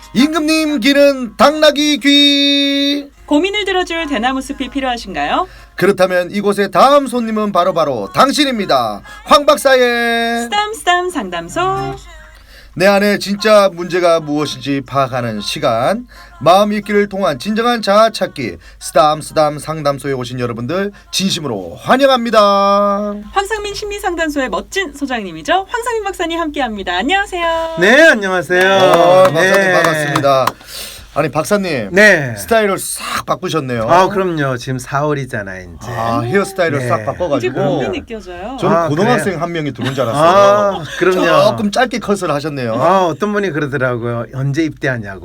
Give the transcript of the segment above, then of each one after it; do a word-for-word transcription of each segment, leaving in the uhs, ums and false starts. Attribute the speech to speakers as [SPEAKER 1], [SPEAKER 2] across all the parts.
[SPEAKER 1] 임금님 귀는 당나귀 귀.
[SPEAKER 2] 고민을 들어줄 대나무 숲이 필요하신가요?
[SPEAKER 1] 그렇다면 이곳의 다음 손님은 바로바로 바로 당신입니다. 황 박사의
[SPEAKER 2] 쓰담쓰담 상담소.
[SPEAKER 1] 내 안에 진짜 문제가 무엇인지 파악하는 시간, 마음 읽기를 통한 진정한 자아 찾기, 쓰담쓰담 상담소에 오신 여러분들 진심으로 환영합니다.
[SPEAKER 2] 황상민 심리상담소의 멋진 소장님이죠. 황상민 박사님 함께합니다. 안녕하세요.
[SPEAKER 3] 네, 안녕하세요.
[SPEAKER 1] 어, 박사님
[SPEAKER 3] 네.
[SPEAKER 1] 반갑습니다. 아니 박사님,
[SPEAKER 3] 네.
[SPEAKER 1] 스타일을 싹 바꾸셨네요.
[SPEAKER 3] 아, 그럼요. 지금 사월이잖아요, 이제.
[SPEAKER 1] 아, 헤어스타일을
[SPEAKER 3] 네.
[SPEAKER 1] 싹
[SPEAKER 2] 이제
[SPEAKER 1] 바꿔가지고
[SPEAKER 2] 몸이 느껴져요.
[SPEAKER 1] 저는
[SPEAKER 3] 아,
[SPEAKER 1] 고등학생
[SPEAKER 3] 그래요?
[SPEAKER 1] 한 명이 들어온 줄 알았어요.
[SPEAKER 3] 아, 그럼요.
[SPEAKER 1] 조금 짧게 컷을 하셨네요.
[SPEAKER 3] 아, 어떤 분이 그러더라고요. 언제 입대하냐고.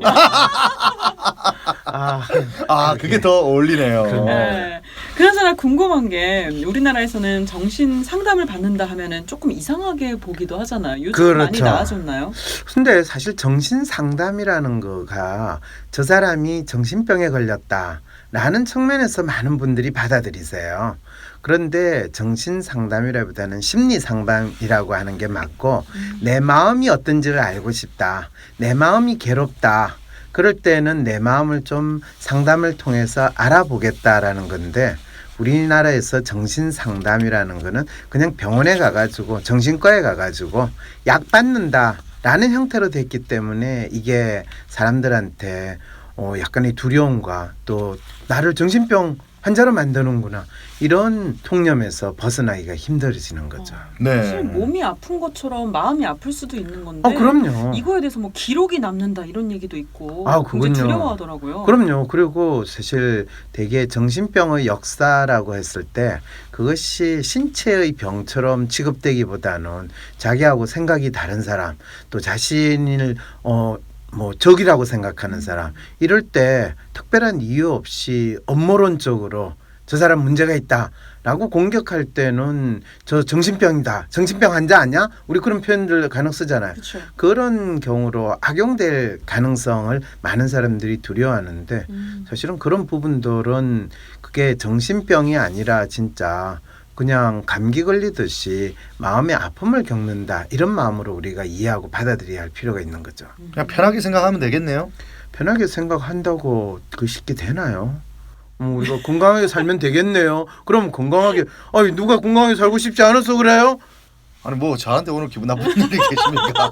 [SPEAKER 3] 아,
[SPEAKER 1] 아, 그게 더 어울리네요.
[SPEAKER 3] 그럼요.
[SPEAKER 2] 네. 그나저나 궁금한 게 우리나라에서는 정신 상담을 받는다 하면은 조금 이상하게 보기도 하잖아요. 요즘 많이
[SPEAKER 3] 그렇죠.
[SPEAKER 2] 나아졌나요?
[SPEAKER 3] 근데 사실 정신 상담이라는 거가 저 사람이 정신병에 걸렸다라는 측면에서 많은 분들이 받아들이세요. 그런데 정신 상담이라보다는 심리 상담이라고 하는 게 맞고,
[SPEAKER 2] 음.
[SPEAKER 3] 내 마음이 어떤지를 알고 싶다. 내 마음이 괴롭다. 그럴 때는 내 마음을 좀 상담을 통해서 알아보겠다라는 건데, 우리나라에서 정신 상담이라는 거는 그냥 병원에 가가지고 정신과에 가가지고 약 받는다라는 형태로 됐기 때문에 이게 사람들한테 어 약간의 두려움과 또 나를 정신병 환자로 만드는구나 이런 통념에서 벗어나기가 힘들어지는 거죠.
[SPEAKER 1] 네.
[SPEAKER 2] 사실 몸이 아픈 것처럼 마음이 아플 수도 있는 건데.
[SPEAKER 3] 어, 그럼요.
[SPEAKER 2] 이거에 대해서 뭐 기록이 남는다 이런 얘기도 있고.
[SPEAKER 3] 아,
[SPEAKER 2] 굉장히
[SPEAKER 3] 그건요.
[SPEAKER 2] 두려워하더라고요.
[SPEAKER 3] 그럼요. 그리고 사실 되게 정신병의 역사라고 했을 때 그것이 신체의 병처럼 취급되기보다는 자기하고 생각이 다른 사람, 또 자신을 어 뭐 적이라고 생각하는 사람, 이럴 때 특별한 이유 없이 업무론적으로 저 사람 문제가 있다라고 공격할 때는 저 정신병이다, 정신병 환자 아니야? 우리 그런 표현들 간혹 쓰잖아요.
[SPEAKER 2] 그렇죠.
[SPEAKER 3] 그런 경우로 악용될 가능성을 많은 사람들이 두려워하는데,
[SPEAKER 2] 음.
[SPEAKER 3] 사실은 그런 부분들은 그게 정신병이 아니라 진짜 그냥 감기 걸리듯이 마음의 아픔을 겪는다, 이런 마음으로 우리가 이해하고 받아들여야 할 필요가 있는 거죠.
[SPEAKER 1] 그냥 편하게 생각하면 되겠네요.
[SPEAKER 3] 편하게 생각한다고 그 쉽게 되나요? 음, 우리가 건강하게 살면 되겠네요. 그럼 건강하게, 아니 누가 건강하게 살고 싶지 않아서 그래요?
[SPEAKER 1] 아니 뭐 저한테 오늘 기분 나쁜 일이 계십니까?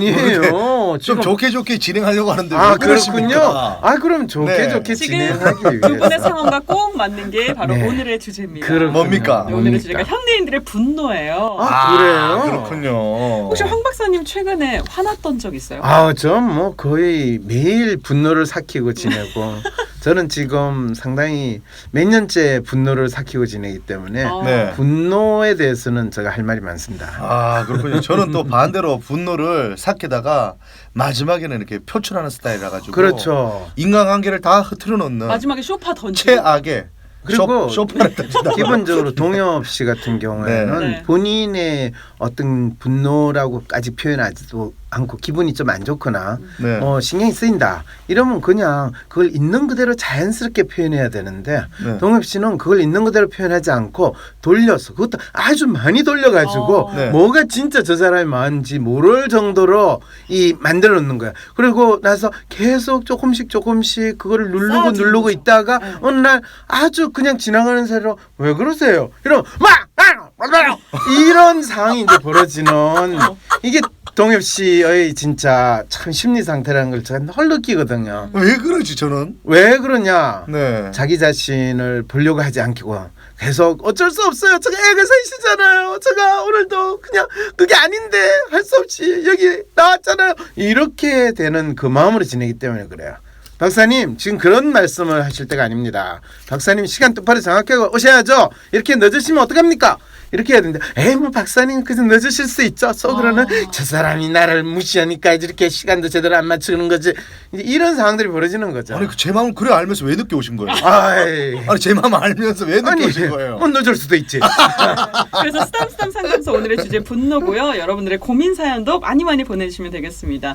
[SPEAKER 3] 아니에요.
[SPEAKER 1] 좀 좋게 좋게 진행하려고 하는데
[SPEAKER 3] 아,
[SPEAKER 1] 왜
[SPEAKER 3] 그렇군요.
[SPEAKER 1] 그러십니까?
[SPEAKER 3] 아, 그럼 좋게
[SPEAKER 1] 네.
[SPEAKER 3] 좋게
[SPEAKER 2] 지금
[SPEAKER 3] 진행하기
[SPEAKER 2] 두 분의
[SPEAKER 3] 위해서.
[SPEAKER 2] 상황과 꼭 맞는 게 바로
[SPEAKER 3] 네.
[SPEAKER 2] 오늘의 주제입니다.
[SPEAKER 3] 그렇군요.
[SPEAKER 1] 뭡니까?
[SPEAKER 2] 네, 오늘의 주제가 현대인들의 분노예요.
[SPEAKER 3] 아, 그래요?
[SPEAKER 1] 그렇군요.
[SPEAKER 2] 혹시 황 박사님 최근에 화났던 적 있어요?
[SPEAKER 3] 아, 전 뭐 거의 매일 분노를 삭히고 지내고 저는 지금 상당히 몇 년째 분노를 삭히고 지내기 때문에
[SPEAKER 2] 아.
[SPEAKER 1] 네.
[SPEAKER 3] 분노에 대해서는 제가 할 말이 많습니다.
[SPEAKER 1] 아, 그렇군요. 저는 또 반대로 분노를 삭히다가 마지막에는 이렇게 표출하는 스타일이라 가지고
[SPEAKER 3] 그렇죠.
[SPEAKER 1] 인간관계를 다 흐트러 놓는
[SPEAKER 2] 마지막에 쇼파 던지고.
[SPEAKER 1] 최악의
[SPEAKER 3] 그리고
[SPEAKER 1] 쇼, 쇼파를 던진다.
[SPEAKER 3] 기본적으로 동엽 씨 같은 경우에는
[SPEAKER 2] 네.
[SPEAKER 3] 본인의 어떤 분노라고까지 표현하지도 않고 기분이 좀 안 좋거나
[SPEAKER 1] 네.
[SPEAKER 3] 어, 신경이 쓰인다 이러면 그냥 그걸 있는 그대로 자연스럽게 표현해야 되는데,
[SPEAKER 1] 네.
[SPEAKER 3] 동엽 씨는 그걸 있는 그대로 표현하지 않고 돌려서, 그것도 아주 많이 돌려가지고
[SPEAKER 2] 어.
[SPEAKER 1] 네.
[SPEAKER 3] 뭐가 진짜 저 사람이 마음인지 모를 정도로 이 만들어 놓는 거야. 그리고 나서 계속 조금씩 조금씩 그거를 누르고
[SPEAKER 2] 쌓아주는
[SPEAKER 3] 누르고
[SPEAKER 2] 거죠.
[SPEAKER 3] 있다가
[SPEAKER 2] 네.
[SPEAKER 3] 어느 날 아주 그냥 지나가는 사이로 왜 그러세요? 이러면 막 이런 상황이 이제 벌어지는, 이게 동엽 씨의 진짜 참 심리 상태라는 걸 제가 널 느끼거든요.
[SPEAKER 1] 왜 그러지 저는?
[SPEAKER 3] 왜 그러냐?
[SPEAKER 1] 네.
[SPEAKER 3] 자기 자신을 보려고 하지 않고 계속 어쩔 수 없어요. 제가 애가 셋이잖아요. 제가 오늘도 그냥 그게 아닌데 할 수 없이 여기 나왔잖아요. 이렇게 되는 그 마음으로 지내기 때문에 그래요. 박사님 지금 그런 말씀을 하실 때가 아닙니다. 박사님 시간 똑바로 정확하게 오셔야죠. 이렇게 늦으시면 어떡합니까? 이렇게 해야 되는데, 에이 뭐 박사님 그래서 늦으실 수 있죠. 속으로는
[SPEAKER 2] 아.
[SPEAKER 3] 저 사람이 나를 무시하니까 이렇게 시간도 제대로 안 맞추는 거지. 이제 이런 상황들이 벌어지는 거죠.
[SPEAKER 1] 아니 제 마음을 그래 알면서 왜 늦게 오신 거예요?
[SPEAKER 3] 아이.
[SPEAKER 1] 아니 제 마음 알면서 왜 늦게
[SPEAKER 3] 아니
[SPEAKER 1] 오신 거예요?
[SPEAKER 3] 뭐 늦을 수도 있지.
[SPEAKER 2] 그래서 쓰담쓰담 상담소 오늘의 주제 분노고요. 여러분들의 고민 사연도 많이 많이 보내주시면 되겠습니다.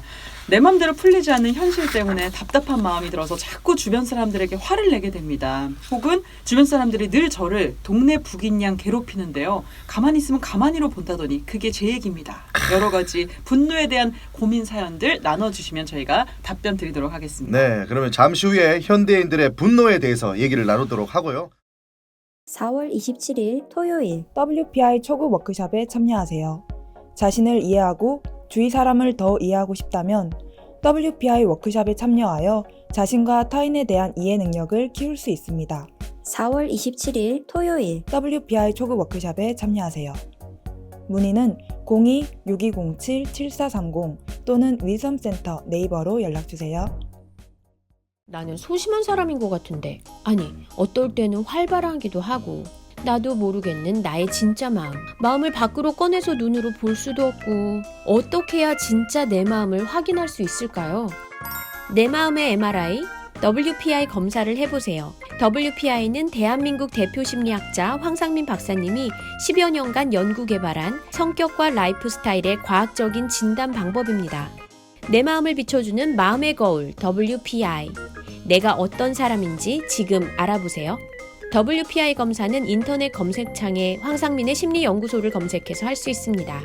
[SPEAKER 2] 내 맘대로 풀리지 않는 현실 때문에 답답한 마음이 들어서 자꾸 주변 사람들에게 화를 내게 됩니다. 혹은 주변 사람들이 늘 저를 동네 북인 양 괴롭히는데요. 가만히 있으면 가만히로 본다더니 그게 제 얘기입니다. 여러 가지 분노에 대한 고민 사연들 나눠주시면 저희가 답변 드리도록 하겠습니다.
[SPEAKER 1] 네, 그러면 잠시 후에 현대인들의 분노에 대해서 얘기를 나누도록 하고요.
[SPEAKER 4] 사월 이십칠일 토요일
[SPEAKER 5] 더블유피아이 초급 워크숍에 참여하세요. 자신을 이해하고 주위 사람을 더 이해하고 싶다면 더블유피아이 워크숍에 참여하여 자신과 타인에 대한 이해 능력을 키울 수 있습니다.
[SPEAKER 4] 사월 이십칠일 토요일
[SPEAKER 5] 더블유피아이 초급 워크숍에 참여하세요. 문의는 공이 육이공칠 칠사삼공 또는 위섬센터 네이버로 연락주세요.
[SPEAKER 6] 나는 소심한 사람인 것 같은데 아니 어떨 때는 활발하기도 하고 나도 모르겠는 나의 진짜 마음 마음을 밖으로 꺼내서 눈으로 볼 수도 없고 어떻게 해야 진짜 내 마음을 확인할 수 있을까요? 내 마음의 엠알아이 더블유피아이 검사를 해보세요. 더블유피아이는 대한민국 대표 심리학자 황상민 박사님이 십여 년간 연구 개발한 성격과 라이프 스타일의 과학적인 진단 방법입니다. 내 마음을 비춰주는 마음의 거울 더블유피아이 내가 어떤 사람인지 지금 알아보세요. 더블유피아이 검사는 인터넷 검색창에 황상민의 심리연구소를 검색해서 할 수 있습니다.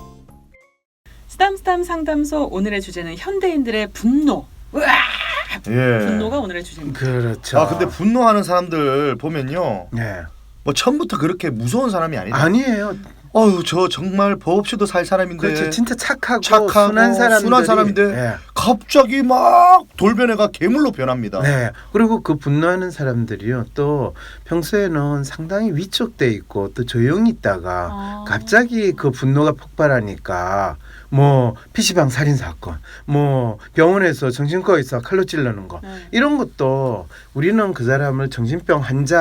[SPEAKER 2] 스담스담 상담소 오늘의 주제는 현대인들의 분노. 으아!
[SPEAKER 1] 예.
[SPEAKER 2] 분노가 오늘의 주제입니다.
[SPEAKER 3] 그렇죠.
[SPEAKER 1] 아 근데 분노하는 사람들 보면요,
[SPEAKER 3] 네.
[SPEAKER 1] 뭐 처음부터 그렇게 무서운 사람이 아니다.
[SPEAKER 3] 아니에요.
[SPEAKER 1] 어휴, 저 정말 법 없이도 살 사람인데.
[SPEAKER 3] 그렇죠. 진짜 착하고,
[SPEAKER 1] 착하고
[SPEAKER 3] 순한 사람들이
[SPEAKER 1] 순한 사람인데
[SPEAKER 3] 네.
[SPEAKER 1] 갑자기 막 돌변해가 괴물로 변합니다.
[SPEAKER 3] 네. 그리고 그 분노하는 사람들이요. 또 평소에는 상당히 위축돼 있고 또 조용히 있다가
[SPEAKER 2] 아.
[SPEAKER 3] 갑자기 그 분노가 폭발하니까 뭐 피시방 살인 사건, 뭐 병원에서 정신과 의사 칼로 찌르는 거
[SPEAKER 2] 네.
[SPEAKER 3] 이런 것도 우리는 그 사람을 정신병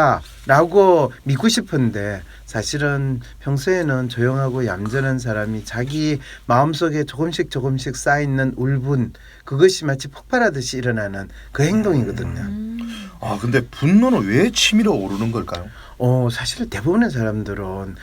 [SPEAKER 3] 환자라고 믿고 싶은데 사실은 평소에는 조용하고 얌전한 사람이 자기 마음속에 조금씩 조금씩 쌓여있는 울분 그것이 마치 폭발하듯이 일어나는 그 행동이거든요.
[SPEAKER 2] 음.
[SPEAKER 1] 아 근데 분노는 왜 치밀어 오르는 걸까요?
[SPEAKER 3] 어, 사실 대부분의 사람들은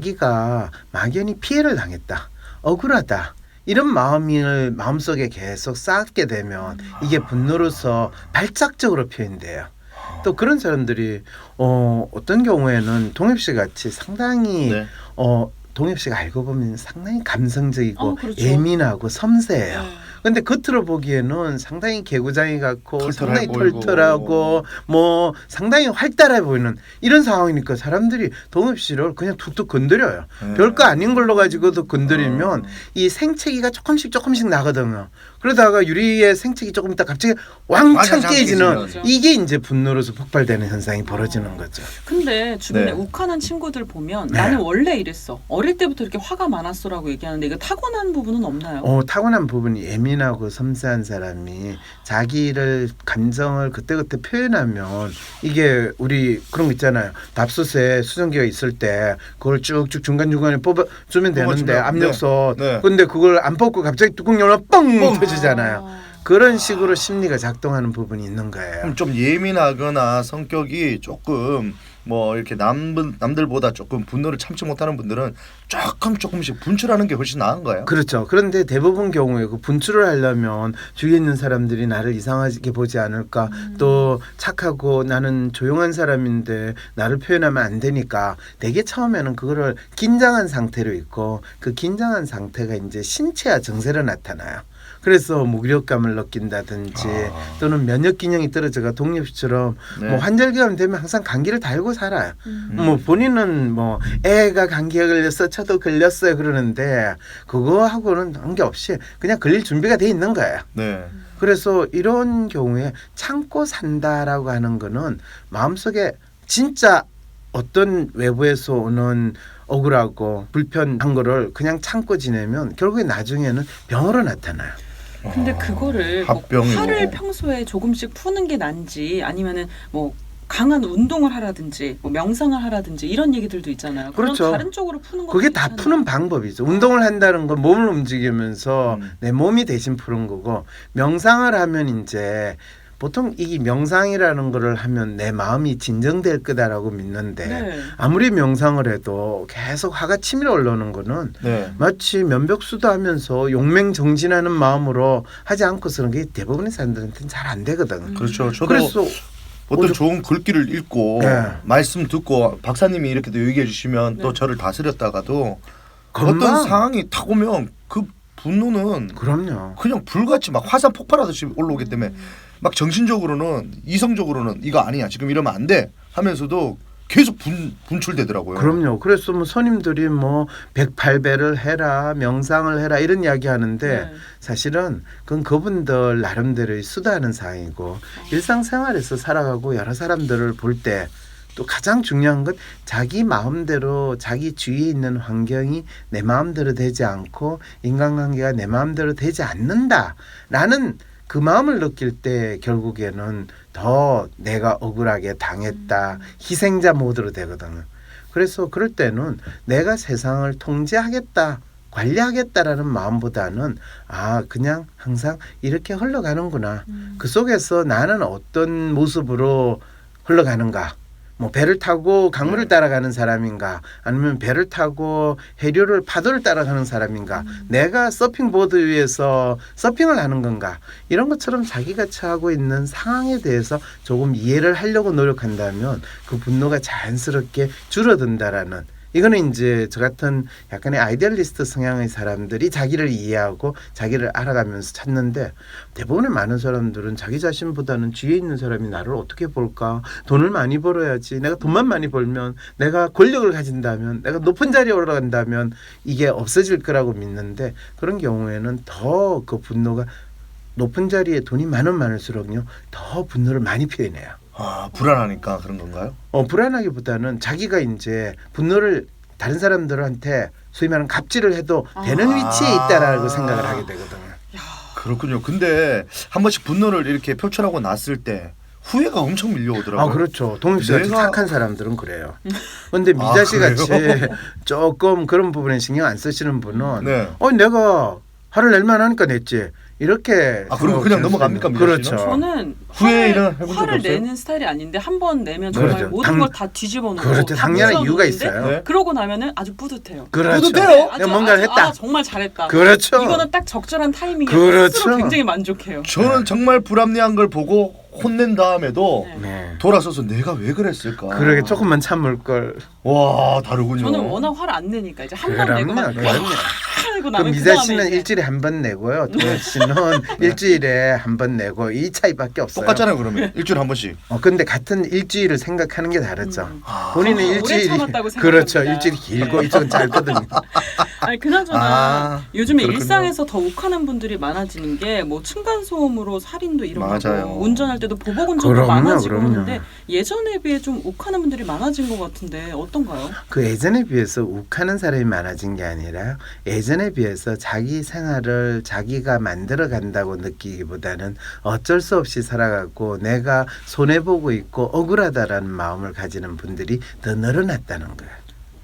[SPEAKER 3] 자기가 막연히 피해를 당했다, 억울하다 이런 마음을 마음속에 계속 쌓게 되면 이게 분노로서 발작적으로 표현돼요. 또 그런 사람들이 어, 어떤 경우에는 동엽 씨 같이 상당히
[SPEAKER 1] 네.
[SPEAKER 3] 어, 동엽 씨가 알고 보면 상당히 감성적이고
[SPEAKER 2] 어, 그렇죠.
[SPEAKER 3] 예민하고 섬세해요.
[SPEAKER 2] 네.
[SPEAKER 3] 근데 겉으로 보기에는 상당히 개구장이 같고
[SPEAKER 1] 털털해
[SPEAKER 3] 상당히
[SPEAKER 1] 보이고.
[SPEAKER 3] 털털하고 뭐 상당히 활달해 보이는 이런 상황이니까 사람들이 동엽 씨를 그냥 툭툭 건드려요.
[SPEAKER 1] 네.
[SPEAKER 3] 별거 아닌 걸로 가지고도 건드리면
[SPEAKER 1] 어.
[SPEAKER 3] 이 생채기가 조금씩 조금씩 나거든요. 그러다가 유리의 생채기 조금 있다 갑자기 왕창
[SPEAKER 1] 왕창
[SPEAKER 3] 깨지는
[SPEAKER 2] 깨지죠.
[SPEAKER 3] 이게 이제 분노로서 폭발되는 현상이 벌어지는 거죠.
[SPEAKER 2] 근데 주변에
[SPEAKER 1] 네.
[SPEAKER 2] 욱하는 친구들 보면
[SPEAKER 3] 네.
[SPEAKER 2] 나는 원래 이랬어. 어릴 때부터 이렇게 화가 많았어라고 얘기하는데 이거 타고난 부분은 없나요?
[SPEAKER 3] 어, 타고난 부분이 예민하고 섬세한 사람이 자기를 감정을 그때그때 표현하면 이게 우리 그런 거 있잖아요. 밥솥에 수증기가 있을 때 그걸 쭉쭉 중간중간에 뽑아주면 되는데
[SPEAKER 1] 뽑아주면,
[SPEAKER 3] 압력솥
[SPEAKER 1] 네. 네.
[SPEAKER 3] 근데 그걸 안 뽑고 갑자기 뚜껑 열면 뻥
[SPEAKER 1] 뻥
[SPEAKER 3] 터지잖아요.
[SPEAKER 2] 아.
[SPEAKER 3] 그런 식으로 심리가 작동하는 부분이 있는 거예요.
[SPEAKER 1] 그럼 좀 예민하거나 성격이 조금 뭐 이렇게 남 남들보다 조금 분노를 참지 못하는 분들은 조금 조금씩 분출하는 게 훨씬 나은 거예요.
[SPEAKER 3] 그렇죠. 그런데 대부분 경우에 그 분출을 하려면 주위에 있는 사람들이 나를 이상하게 보지 않을까,
[SPEAKER 2] 음.
[SPEAKER 3] 또 착하고 나는 조용한 사람인데 나를 표현하면 안 되니까 되게 처음에는 그거를 긴장한 상태로 있고 그 긴장한 상태가 이제 신체와 정세로 나타나요. 그래서 무기력감을 느낀다든지
[SPEAKER 1] 아.
[SPEAKER 3] 또는 면역 기능이 떨어져가 동엽씨처럼
[SPEAKER 1] 네.
[SPEAKER 3] 뭐 환절기가 되면 항상 감기를 달고 살아요.
[SPEAKER 2] 음.
[SPEAKER 3] 뭐 본인은 뭐 애가 감기에 걸렸어 저도 걸렸어요 그러는데 그거하고는 관계없이 그냥 걸릴 준비가 돼 있는 거예요.
[SPEAKER 1] 네.
[SPEAKER 3] 그래서 이런 경우에 참고 산다라고 하는 거는 마음속에 진짜 어떤 외부에서 오는 억울하고 불편한 거를 그냥 참고 지내면 결국에 나중에는 병으로 나타나요.
[SPEAKER 2] 근데 그거를 뭐
[SPEAKER 1] 합병이고.
[SPEAKER 2] 화를 평소에 조금씩 푸는 게 난지 아니면은 뭐 강한 운동을 하라든지 뭐 명상을 하라든지 이런 얘기들도 있잖아요. 그런
[SPEAKER 3] 그렇죠.
[SPEAKER 2] 다른 쪽으로 푸는 거
[SPEAKER 3] 그게 다 푸는 방법이죠. 운동을 한다는 건 몸을 움직이면서
[SPEAKER 1] 음.
[SPEAKER 3] 내 몸이 대신 푸는 거고 명상을 하면 이제 보통 이 명상이라는 거를 하면 내 마음이 진정될 거다라고 믿는데
[SPEAKER 2] 네.
[SPEAKER 3] 아무리 명상을 해도 계속 화가 치밀어 올라오는 거는
[SPEAKER 1] 네.
[SPEAKER 3] 마치 면벽수도 하면서 용맹정진하는 마음으로 하지 않고서는 그게 대부분의 사람들한테는 잘 안 되거든.
[SPEAKER 1] 그렇죠. 저도
[SPEAKER 3] 그래서
[SPEAKER 1] 어떤
[SPEAKER 3] 오늘-
[SPEAKER 1] 좋은 글귀를 읽고
[SPEAKER 3] 네. 말씀
[SPEAKER 1] 말씀 듣고 박사님이 이렇게 또 얘기해 주시면
[SPEAKER 2] 네.
[SPEAKER 1] 또 저를 다스렸다가도
[SPEAKER 3] 금방-
[SPEAKER 1] 어떤 상황이 탁 오면 그 분노는
[SPEAKER 3] 그럼요.
[SPEAKER 1] 그냥 불같이 막 화산 폭발하듯이 올라오기 때문에
[SPEAKER 2] 음.
[SPEAKER 1] 막 정신적으로는 이성적으로는 이거 아니야 지금 이러면 안 돼 하면서도 계속 분, 분출되더라고요.
[SPEAKER 3] 그럼요. 그래서 뭐 스님들이 뭐 백팔 배를 해라, 명상을 해라 이런 이야기 하는데
[SPEAKER 2] 네.
[SPEAKER 3] 사실은 그건 그분들 나름대로의 수다하는 사항이고 일상생활에서 살아가고 여러 사람들을 볼 때 또 가장 중요한 건 자기 마음대로 자기 주위에 있는 환경이 내 마음대로 되지 않고 인간관계가 내 마음대로 되지 않는다라는 그 마음을 느낄 때 결국에는 더 내가 억울하게 당했다 희생자 모드로 되거든요. 그래서 그럴 때는 내가 세상을 통제하겠다 관리하겠다라는 마음보다는 아 그냥 항상 이렇게 흘러가는구나.
[SPEAKER 2] 음.
[SPEAKER 3] 그 속에서 나는 어떤 모습으로 흘러가는가. 뭐 배를 타고 강물을
[SPEAKER 1] 네.
[SPEAKER 3] 따라가는 사람인가 아니면 배를 타고 해류를 파도를 따라가는 사람인가
[SPEAKER 2] 음.
[SPEAKER 3] 내가 서핑보드 위에서 서핑을 하는 건가 이런 것처럼 자기가 처하고 있는 상황에 대해서 조금 이해를 하려고 노력한다면 그 분노가 자연스럽게 줄어든다라는 이거는 이제 저 같은 약간의 아이디얼리스트 성향의 사람들이 자기를 이해하고 자기를 알아가면서 찾는데 대부분의 많은 사람들은 자기 자신보다는 뒤에 있는 사람이 나를 어떻게 볼까 돈을 많이 벌어야지 내가 돈만 많이 벌면 내가 권력을 가진다면 내가 높은 자리에 올라간다면 이게 없어질 거라고 믿는데 그런 경우에는 더 그 분노가 높은 자리에 돈이 많으면 많을수록요 더 분노를 많이 표현해요.
[SPEAKER 1] 아 불안하니까 그런 건가요?
[SPEAKER 3] 어, 불안하기보다는 자기가 이제 분노를 다른 사람들한테 소위 말하는 갑질을 해도 되는
[SPEAKER 1] 아.
[SPEAKER 3] 위치에 있다라고 생각을 하게 되거든요.
[SPEAKER 1] 그렇군요. 근데 한 번씩 분노를 이렇게 표출하고 났을 때 후회가 엄청 밀려오더라고요.
[SPEAKER 3] 아 그렇죠. 동엽 씨 같이
[SPEAKER 1] 내가-
[SPEAKER 3] 착한 사람들은 그래요. 근데 미자 씨
[SPEAKER 1] 아,
[SPEAKER 3] 같이
[SPEAKER 1] 그래요?
[SPEAKER 3] 조금 그런 부분에 신경 안 쓰시는 분은
[SPEAKER 1] 네.
[SPEAKER 3] 어 내가 화를 낼 만하니까 냈지. 이렇게
[SPEAKER 1] 아, 그리고 그냥 넘어갑니까, 미자
[SPEAKER 3] 그렇죠.
[SPEAKER 1] 씨는?
[SPEAKER 2] 저는
[SPEAKER 1] 후회는
[SPEAKER 2] 화를,
[SPEAKER 1] 해본 적이
[SPEAKER 2] 화를
[SPEAKER 1] 없어요?
[SPEAKER 2] 내는 스타일이 아닌데 한 번 내면 정말
[SPEAKER 3] 그렇죠.
[SPEAKER 2] 모든
[SPEAKER 3] 당-
[SPEAKER 2] 걸 다 뒤집어 놓고
[SPEAKER 3] 그렇죠.
[SPEAKER 2] 다
[SPEAKER 3] 당연한
[SPEAKER 2] 부숴
[SPEAKER 3] 이유가
[SPEAKER 2] 놓는데
[SPEAKER 3] 있어요.
[SPEAKER 1] 네.
[SPEAKER 2] 그러고 나면은 아주 뿌듯해요.
[SPEAKER 3] 그렇죠.
[SPEAKER 1] 뿌듯해요?
[SPEAKER 2] 아주,
[SPEAKER 3] 뭔가를
[SPEAKER 2] 아주,
[SPEAKER 3] 했다.
[SPEAKER 2] 아, 정말 잘했다.
[SPEAKER 3] 그렇죠.
[SPEAKER 2] 이거는 딱 적절한 타이밍에
[SPEAKER 3] 그렇죠.
[SPEAKER 2] 스스로 굉장히 만족해요.
[SPEAKER 1] 저는 정말 불합리한 걸 보고 혼낸 다음에도
[SPEAKER 2] 네.
[SPEAKER 3] 네.
[SPEAKER 1] 돌아서서 내가 왜 그랬을까?
[SPEAKER 3] 그러게 조금만 참을 걸.
[SPEAKER 1] 와 다르군요.
[SPEAKER 2] 저는 워낙 화를 안 내니까 이제 한 번
[SPEAKER 3] 그럼요,
[SPEAKER 2] 내고만
[SPEAKER 3] 그럼요.
[SPEAKER 2] 하고
[SPEAKER 3] 그
[SPEAKER 2] 나면
[SPEAKER 3] 미자
[SPEAKER 2] 그다음에
[SPEAKER 3] 씨는
[SPEAKER 2] 이제
[SPEAKER 3] 일주일에 한 번 내고요. 동엽 씨는 일주일에 한 번 내고 이 차이밖에 없어요.
[SPEAKER 1] 똑같잖아요 그러면 일주일에 한 번씩.
[SPEAKER 3] 어 근데 같은 일주일을 생각하는 게 다르죠.
[SPEAKER 2] 음.
[SPEAKER 1] 아,
[SPEAKER 3] 본인은
[SPEAKER 2] 아, 오래
[SPEAKER 3] 일주일이
[SPEAKER 2] 참았다고 생각합니다.
[SPEAKER 3] 그렇죠. 일주일이 길고
[SPEAKER 2] 네.
[SPEAKER 3] 이쪽은 짧거든요.
[SPEAKER 2] 아니 그나저나
[SPEAKER 1] 아,
[SPEAKER 2] 요즘에
[SPEAKER 1] 그렇군요.
[SPEAKER 2] 일상에서 더 욱하는 분들이 많아지는 게 뭐 층간 소음으로 살인도 일어나고
[SPEAKER 1] 맞아요.
[SPEAKER 2] 운전할 때도 보복 운전도
[SPEAKER 3] 그럼요,
[SPEAKER 2] 많아지고
[SPEAKER 3] 그럼요.
[SPEAKER 2] 하는데 예전에 비해 좀 욱하는 분들이 많아진 것 같은데 어떤가요?
[SPEAKER 3] 그 예전에 비해서 욱하는 사람이 많아진 게 아니라 예전에 비해서 자기 생활을 자기가 만들어 간다고 느끼기보다는 어쩔 수 없이 살아가고 내가 손해 보고 있고 억울하다라는 마음을 가지는 분들이 더 늘어났다는 거예요.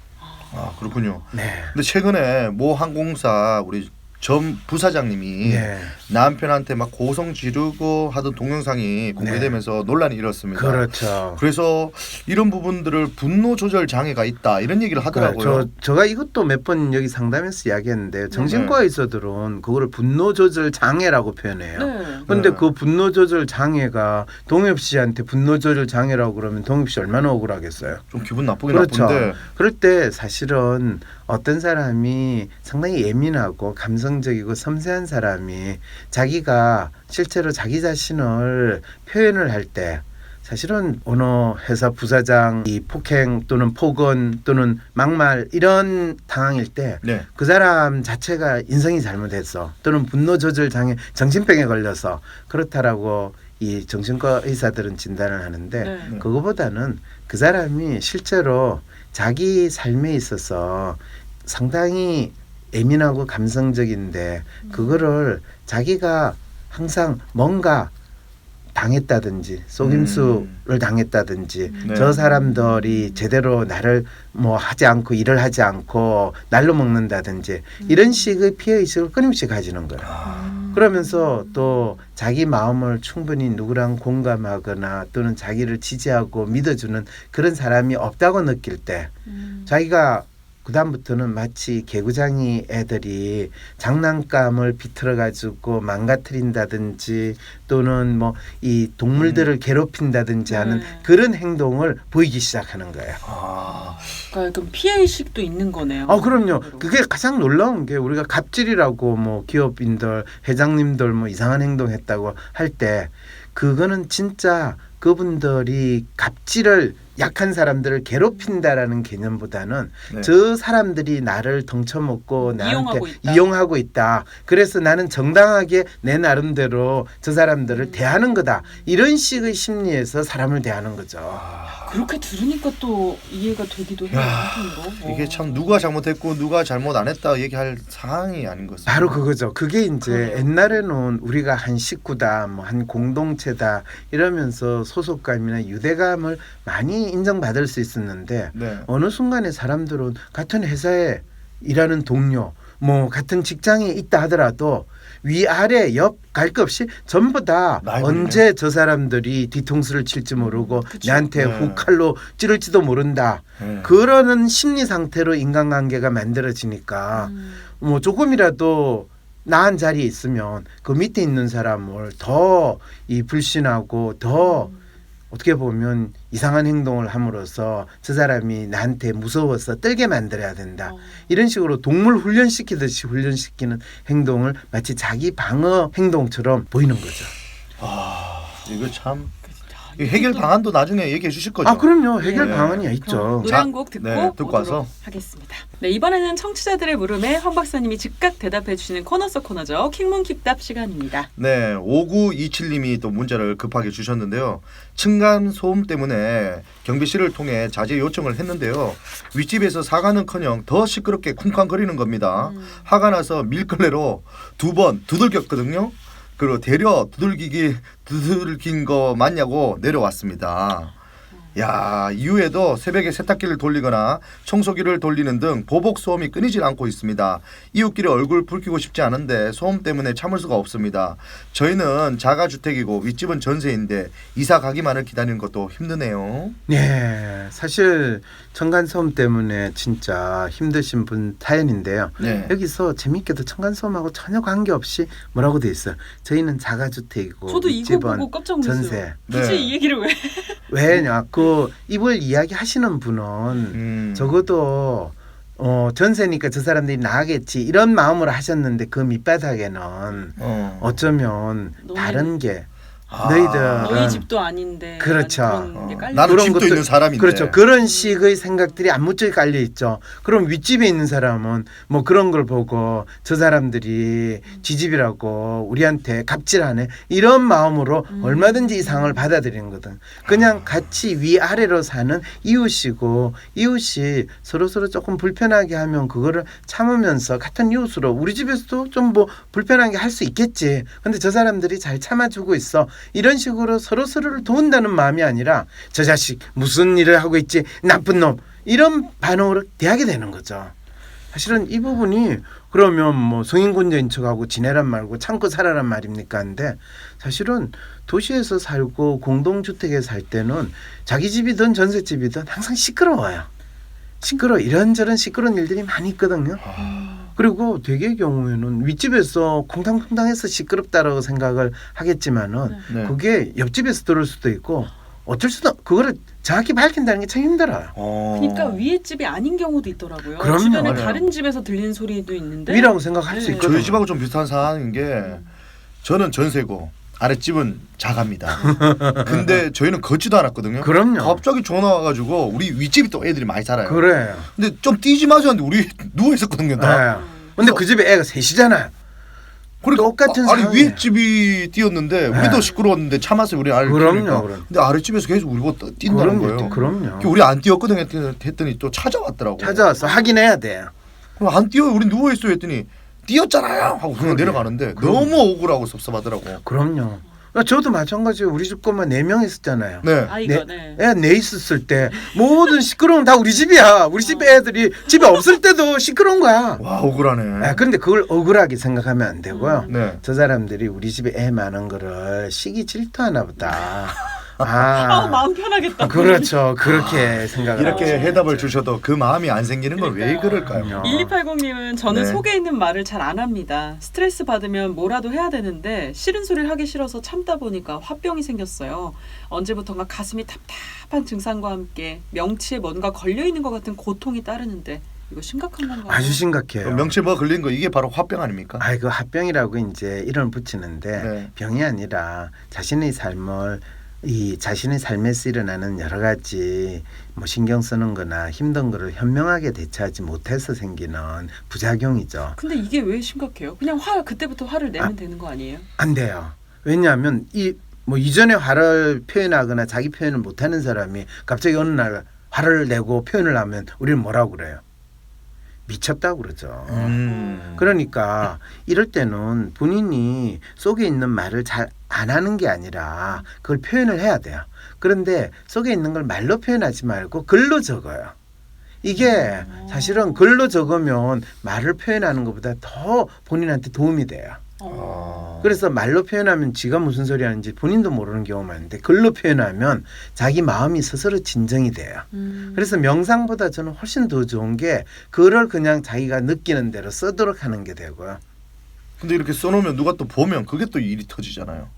[SPEAKER 1] 아 그렇군요.
[SPEAKER 3] 네.
[SPEAKER 1] 근데 최근에 모 항공사 우리 전 부사장님이
[SPEAKER 3] 네.
[SPEAKER 1] 남편한테 막 고성 지르고 하던 동영상이 공개되면서 논란이 일었습니다.
[SPEAKER 3] 그렇죠.
[SPEAKER 1] 그래서 이런 부분들을 분노 조절 장애가 있다 이런 얘기를 하더라고요.
[SPEAKER 3] 저, 저가 이것도 몇 번 여기 상담에서 이야기했는데 정신과의사들은 그거를 분노 조절 장애라고 표현해요.
[SPEAKER 2] 네.
[SPEAKER 3] 근데
[SPEAKER 1] 네.
[SPEAKER 3] 그 분노 조절 장애가 동엽 씨한테 분노 조절 장애라고 그러면 동엽 씨 얼마나 억울하겠어요.
[SPEAKER 1] 좀 기분 나쁘긴
[SPEAKER 3] 그렇죠.
[SPEAKER 1] 나쁜데
[SPEAKER 3] 그럴 때 사실은 어떤 사람이 상당히 예민하고 감성적이고 섬세한 사람이 자기가 실제로 자기 자신을 표현을 할 때 사실은 어느 회사 부사장이 폭행 또는 폭언 또는 막말 이런 당황일 때
[SPEAKER 1] 네.
[SPEAKER 3] 그 사람 자체가 인성이 잘못했어 또는 분노 조절 장애 정신병에 걸려서 그렇다라고 이 정신과 의사들은 진단을 하는데
[SPEAKER 2] 네.
[SPEAKER 3] 그거보다는 그 사람이 실제로 자기 삶에 있어서 상당히 예민하고 감성적인데 그거를 자기가 항상 뭔가 당했다든지 속임수를 당했다든지
[SPEAKER 1] 네.
[SPEAKER 3] 저 사람들이 제대로 나를 뭐 하지 않고 일을 하지 않고 날로 먹는다든지 이런 식의 피해의식을 끊임없이 가지는 거예요.
[SPEAKER 1] 아.
[SPEAKER 3] 그러면서 또 자기 마음을 충분히 누구랑 공감하거나 또는 자기를 지지하고 믿어주는 그런 사람이 없다고 느낄 때
[SPEAKER 2] 음.
[SPEAKER 3] 자기가 그다음부터는 마치 개구장이 애들이 장난감을 비틀어 가지고 망가뜨린다든지 또는 뭐 이 동물들을
[SPEAKER 1] 음.
[SPEAKER 3] 괴롭힌다든지 하는
[SPEAKER 2] 네.
[SPEAKER 3] 그런 행동을 보이기 시작하는 거예요.
[SPEAKER 1] 아.
[SPEAKER 2] 그러니까 그럼 피해 의식도 있는 거네요.
[SPEAKER 3] 아 그럼요. 그게 가장 놀라운 게 우리가 갑질이라고 뭐 기업인들 회장님들 뭐 이상한 행동했다고 할 때 그거는 진짜 그분들이 갑질을 약한 사람들을 괴롭힌다라는 개념보다는
[SPEAKER 1] 네.
[SPEAKER 3] 저 사람들이 나를 덩쳐먹고 나한테
[SPEAKER 2] 이용하고 있다.
[SPEAKER 3] 이용하고 있다. 그래서 나는 정당하게 내 나름대로 저 사람들을 대하는 거다. 이런 식의 심리에서 사람을 대하는 거죠.
[SPEAKER 1] 아.
[SPEAKER 2] 그렇게 들으니까 또 이해가 되기도 해요.
[SPEAKER 1] 야,
[SPEAKER 2] 한편으로.
[SPEAKER 1] 이게
[SPEAKER 2] 어.
[SPEAKER 1] 참 누가 잘못했고 누가 잘못 안 했다 얘기할 상황이 아닌 것 같습니다.
[SPEAKER 3] 바로 그거죠. 그게 이제
[SPEAKER 2] 그러네요.
[SPEAKER 3] 옛날에는 우리가 한 식구다, 뭐 한 공동체다 이러면서 소속감이나 유대감을 많이 인정받을 수 있었는데
[SPEAKER 1] 네.
[SPEAKER 3] 어느 순간에 사람들은 같은 회사에 일하는 동료, 뭐 같은 직장에 있다 하더라도 위아래 옆 갈 것 없이 전부 다
[SPEAKER 1] 나이
[SPEAKER 3] 언제 저 사람들이 뒤통수를 칠지 모르고
[SPEAKER 2] 그쵸.
[SPEAKER 3] 나한테
[SPEAKER 1] 네.
[SPEAKER 3] 훅 칼로 찌를지도 모른다.
[SPEAKER 1] 네.
[SPEAKER 3] 그러는 심리 상태로 인간관계가 만들어지니까
[SPEAKER 2] 음.
[SPEAKER 3] 뭐 조금이라도 나은 자리에 있으면 그 밑에 있는 사람을 더 이 불신하고 더
[SPEAKER 2] 음.
[SPEAKER 3] 어떻게 보면 이상한 행동을 함으로써 저 사람이 나한테 무서워서 떨게 만들어야 된다.
[SPEAKER 2] 어.
[SPEAKER 3] 이런 식으로 동물 훈련시키듯이 훈련시키는 행동을 마치 자기 방어 행동처럼 보이는 거죠.
[SPEAKER 1] 아, 이거 참
[SPEAKER 2] 아,
[SPEAKER 1] 이 해결
[SPEAKER 2] 이것도-
[SPEAKER 1] 방안도 나중에 얘기해 주실 거죠?
[SPEAKER 3] 아 그럼요. 해결
[SPEAKER 1] 네.
[SPEAKER 3] 방안이
[SPEAKER 2] 그럼
[SPEAKER 3] 있죠.
[SPEAKER 2] 노래
[SPEAKER 1] 자,
[SPEAKER 2] 한 곡 듣고,
[SPEAKER 1] 네, 듣고
[SPEAKER 2] 오도록
[SPEAKER 1] 와서.
[SPEAKER 2] 하겠습니다. 네, 이번에는 청취자들의 물음에 황 박사님이 즉각 대답해 주시는 코너 속 코너죠. 킹문 킵답 시간입니다.
[SPEAKER 1] 네, 오구이칠님이 또 문자를 급하게 주셨는데요. 층간 소음 때문에 경비실을 통해 자제 요청을 했는데요. 윗집에서 사과는커녕 더 시끄럽게 쿵쾅거리는 겁니다.
[SPEAKER 2] 음.
[SPEAKER 1] 화가 나서 밀걸레로 두 번 두들겼거든요. 그리고 대려 두들기기 두들긴 거 맞냐고 내려왔습니다. 야, 이후에도 새벽에 세탁기를 돌리거나 청소기를 돌리는 등 보복 소음이 끊이질 않고 있습니다. 이웃끼리 얼굴 붉히고 싶지 않은데 소음 때문에 참을 수가 없습니다. 저희는 자가주택이고 윗집은 전세인데 이사 가기만을 기다리는 것도 힘드네요.
[SPEAKER 3] 네, 사실 층간소음 때문에 진짜 힘드신 분 사연인데요.
[SPEAKER 1] 네.
[SPEAKER 3] 여기서 재밌게도 층간소음하고 전혀 관계없이 뭐라고 돼 있어요. 저희는 자가주택이고
[SPEAKER 2] 저도 이거
[SPEAKER 3] 윗집은
[SPEAKER 2] 보고 깜짝 놀랐어요.
[SPEAKER 3] 전세.
[SPEAKER 2] 굳이
[SPEAKER 1] 네.
[SPEAKER 2] 이 얘기를 왜?
[SPEAKER 3] 왜냐 그 이걸 이야기하시는 분은
[SPEAKER 1] 음.
[SPEAKER 3] 적어도 어, 전세니까 저 사람들이 나가겠지 이런 마음으로 하셨는데 그 밑바닥에는
[SPEAKER 1] 어.
[SPEAKER 3] 어쩌면
[SPEAKER 2] 너무
[SPEAKER 3] 다른 게
[SPEAKER 1] 아.
[SPEAKER 3] 너희들
[SPEAKER 2] 너희 집도 아닌데.
[SPEAKER 3] 그렇죠.
[SPEAKER 2] 그런 게
[SPEAKER 1] 어.
[SPEAKER 2] 깔려.
[SPEAKER 1] 나도
[SPEAKER 3] 그런
[SPEAKER 1] 집도
[SPEAKER 3] 것들-
[SPEAKER 1] 있는 사람인데.
[SPEAKER 3] 그렇죠. 그런 식의 생각들이 안무쩍 깔려 있죠. 그럼 윗집에 있는 사람은 뭐 그런 걸 보고 저 사람들이 지집이라고 우리한테 갑질하네 이런 마음으로
[SPEAKER 2] 음.
[SPEAKER 3] 얼마든지 이상을 받아들이는 거든. 그냥 같이 위아래로 사는 이웃이고 이웃이 서로 서로 조금 불편하게 하면 그거를 참으면서 같은 이웃으로 우리 집에서도 좀 뭐 불편하게 할 수 있겠지. 근데 저 사람들이 잘 참아주고 있어. 이런 식으로 서로 서로를 도운다는 마음이 아니라 저 자식 무슨 일을 하고 있지 나쁜 놈 이런 반응으로 대하게 되는 거죠. 사실은 이 부분이 그러면 뭐 성인군자인 척하고 지내란 말고 참고 살아란 말입니까? 한데 사실은 도시에서 살고 공동주택에 살 때는 자기 집이든 전셋집이든 항상 시끄러워요. 시끄러 이런저런 시끄러운 일들이 많이 있거든요. 그리고 대개의 경우에는 윗집에서 쿵탕쿵탕해서 시끄럽다라고 생각을 하겠지만은
[SPEAKER 1] 네.
[SPEAKER 3] 그게 옆집에서 들을 수도 있고 어쩔 수도 그거를 정확히 밝힌다는 게 참 힘들어요.
[SPEAKER 1] 어.
[SPEAKER 2] 그러니까 위에 집이 아닌 경우도 있더라고요.
[SPEAKER 3] 그럼요.
[SPEAKER 2] 주변에
[SPEAKER 1] 맞아요.
[SPEAKER 2] 다른 집에서 들리는 소리도 있는데.
[SPEAKER 3] 위라고 생각할 수
[SPEAKER 2] 네.
[SPEAKER 3] 있거든요.
[SPEAKER 1] 저희 집하고 좀 비슷한 상황인 게 저는 전세고 아랫집은 자가입니다. 근데 저희는 걷지도 않았거든요.
[SPEAKER 3] 그럼요.
[SPEAKER 1] 갑자기 전화 와가지고 우리 윗집이 또 애들이 많이 살아요.
[SPEAKER 3] 그래요.
[SPEAKER 1] 근데 좀 뛰지 마자 하는데 우리 누워 있었거든요. 다.
[SPEAKER 3] 네. 근데 그 집에 애가 셋이잖아요.
[SPEAKER 1] 그러니까
[SPEAKER 3] 똑같은
[SPEAKER 1] 아, 아니
[SPEAKER 3] 상황이에요.
[SPEAKER 1] 윗집이 뛰었는데
[SPEAKER 3] 네.
[SPEAKER 1] 우리도 시끄러웠는데 참았어요. 우리 아를
[SPEAKER 3] 그럼요,
[SPEAKER 1] 키우니까.
[SPEAKER 3] 그럼요.
[SPEAKER 1] 근데 아랫집에서 계속 우리 보고 뛴다는
[SPEAKER 3] 그럼요.
[SPEAKER 1] 거예요.
[SPEAKER 3] 그럼요.
[SPEAKER 1] 우리 안 뛰었거든 했더니 또 찾아왔더라고.
[SPEAKER 3] 찾아와서 확인해야 돼요.
[SPEAKER 1] 그럼 안 뛰어 우리 누워 있어 했더니 뛰었잖아요 하고 그냥
[SPEAKER 3] 그러게.
[SPEAKER 1] 내려가는데
[SPEAKER 3] 그럼.
[SPEAKER 1] 너무 억울하고 섭섭하더라고.
[SPEAKER 3] 그럼요. 저도 마찬가지예요. 우리 집 것만 네 명 있었잖아요.
[SPEAKER 1] 네.
[SPEAKER 2] 아이가 네.
[SPEAKER 3] 애 네 있었을 때 모든 시끄러운 다 우리 집이야. 우리 집 애들이 집에 없을 때도 시끄러운 거야.
[SPEAKER 1] 와 억울하네.
[SPEAKER 3] 아, 그런데 그걸 억울하게 생각하면 안 되고요.
[SPEAKER 2] 음.
[SPEAKER 1] 네.
[SPEAKER 3] 저 사람들이 우리 집에 애 많은 거를 시기 질투하나 보다.
[SPEAKER 2] 아,
[SPEAKER 3] 아,
[SPEAKER 2] 마음 편하겠다.
[SPEAKER 3] 그렇죠. 그렇게 생각을
[SPEAKER 1] 이렇게
[SPEAKER 3] 하죠.
[SPEAKER 1] 해답을 주셔도 그 마음이 안 생기는 건 왜
[SPEAKER 2] 그러니까요.
[SPEAKER 1] 그럴까요?
[SPEAKER 2] 일이팔공님은 저는
[SPEAKER 1] 네.
[SPEAKER 2] 속에 있는 말을 잘 안 합니다. 스트레스 받으면 뭐라도 해야 되는데 싫은 소리를 하기 싫어서 참다 보니까 화병이 생겼어요. 언제부턴가 가슴이 답답한 증상과 함께 명치에 뭔가 걸려있는 것 같은 고통이 따르는데 이거 심각한 건가요?
[SPEAKER 3] 아주 심각해요.
[SPEAKER 1] 명치 뭐 걸린 거 이게 바로 화병 아닙니까?
[SPEAKER 3] 아, 그 합병이라고 이제 이름 붙이는데
[SPEAKER 1] 네.
[SPEAKER 3] 병이 아니라 자신의 삶을 이 자신의 삶에서 일어나는 여러 가지 뭐 신경 쓰는 거나 힘든 거를 현명하게 대처하지 못해서 생기는 부작용이죠.
[SPEAKER 2] 근데 이게 왜 심각해요? 그냥 화 그때부터 화를 내면
[SPEAKER 3] 아.
[SPEAKER 2] 되는 거 아니에요?
[SPEAKER 3] 안 돼요. 왜냐하면 이 뭐 이전에 화를 표현하거나 자기 표현을 못하는 사람이 갑자기 어느 날 화를 내고 표현을 하면 우리는 뭐라고 그래요? 미쳤다고 그러죠.
[SPEAKER 1] 음.
[SPEAKER 3] 그러니까 이럴 때는 본인이 속에 있는 말을 잘 안 하는 게 아니라 그걸 표현을 해야 돼요. 그런데 속에 있는 걸 말로 표현하지 말고 글로 적어요. 이게 사실은 글로 적으면 말을 표현하는 것보다 더 본인한테 도움이 돼요.
[SPEAKER 2] 어.
[SPEAKER 3] 그래서 말로 표현하면 지가 무슨 소리 하는지 본인도 모르는 경우가 많은데 글로 표현하면 자기 마음이 스스로 진정이 돼요.
[SPEAKER 2] 음.
[SPEAKER 3] 그래서 명상보다 저는 훨씬 더 좋은 게 글을 그냥 자기가 느끼는 대로 쓰도록 하는 게 되고요.
[SPEAKER 1] 근데 이렇게 써놓으면 누가 또 보면 그게 또 일이 터지잖아요.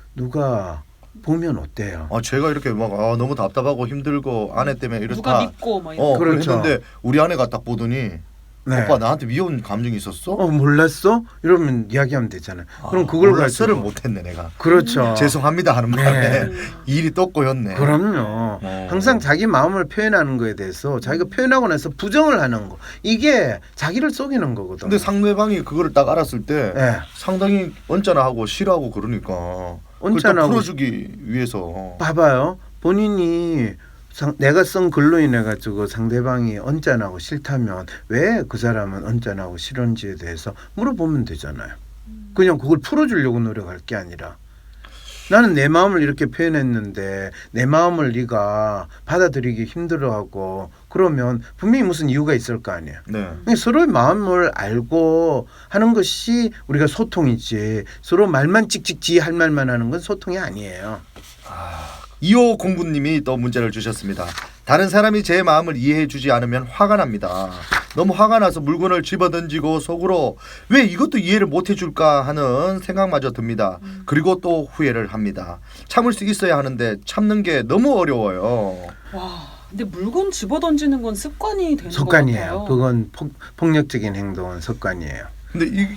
[SPEAKER 3] 누가 보면 어때요?
[SPEAKER 1] 아 제가 이렇게 막 아, 너무 답답하고 힘들고 아내 때문에 이렇다.
[SPEAKER 2] 누가 믿고 뭐
[SPEAKER 1] 어
[SPEAKER 3] 그렇죠.
[SPEAKER 1] 그랬는데 우리 아내가 딱 보더니
[SPEAKER 3] 네.
[SPEAKER 1] 오빠 나한테 미운 감정이 있었어?
[SPEAKER 3] 어 몰랐어? 이러면 이야기하면 되잖아요.
[SPEAKER 1] 아,
[SPEAKER 3] 그럼 그걸
[SPEAKER 1] 몰랐어를
[SPEAKER 3] 가지고
[SPEAKER 1] 못했네 내가.
[SPEAKER 3] 그렇죠.
[SPEAKER 1] 죄송합니다 하는
[SPEAKER 3] 네.
[SPEAKER 1] 바람에 일이 또 꼬였네.
[SPEAKER 3] 그럼요.
[SPEAKER 1] 어.
[SPEAKER 3] 항상 자기 마음을 표현하는 거에 대해서 자기가 표현하고 나서 부정을 하는 거 이게 자기를 속이는 거거든요.
[SPEAKER 1] 근데 상대방이 그거를 딱 알았을 때
[SPEAKER 3] 네.
[SPEAKER 1] 상당히 언짢아하고 싫어하고 그러니까 그걸 또
[SPEAKER 3] 언짢아하고
[SPEAKER 1] 풀어주기 위해서
[SPEAKER 3] 봐봐요. 본인이 상, 내가 쓴 글로 인해 가지고 상대방이 언짢아하고 싫다면 왜 그 사람은 언짢아하고 싫은지에 대해서 물어보면 되잖아요. 그냥 그걸 풀어주려고 노력할 게 아니라 나는 내 마음을 이렇게 표현했는데 내 마음을 네가 받아들이기 힘들어하고 그러면 분명히 무슨 이유가 있을 거 아니에요.
[SPEAKER 1] 네.
[SPEAKER 3] 서로의 마음을 알고 하는 것이 우리가 소통이지 서로 말만 찍찍지 할 말만 하는 건 소통이 아니에요.
[SPEAKER 1] 이호공구님이 또 문제를 주셨습니다. 다른 사람이 제 마음을 이해해주지 않으면 화가 납니다. 너무 화가 나서 물건을 집어던지고 속으로 왜 이것도 이해를 못해줄까 하는 생각마저 듭니다. 그리고 또 후회를 합니다. 참을 수 있어야 하는데 참는 게 너무 어려워요.
[SPEAKER 2] 와, 근데 물건 집어 던지는 건 습관이 되는 것
[SPEAKER 3] 습관이에요.
[SPEAKER 2] 같아요.
[SPEAKER 3] 그건 폭, 폭력적인 행동은 습관이에요.
[SPEAKER 1] 근데 이,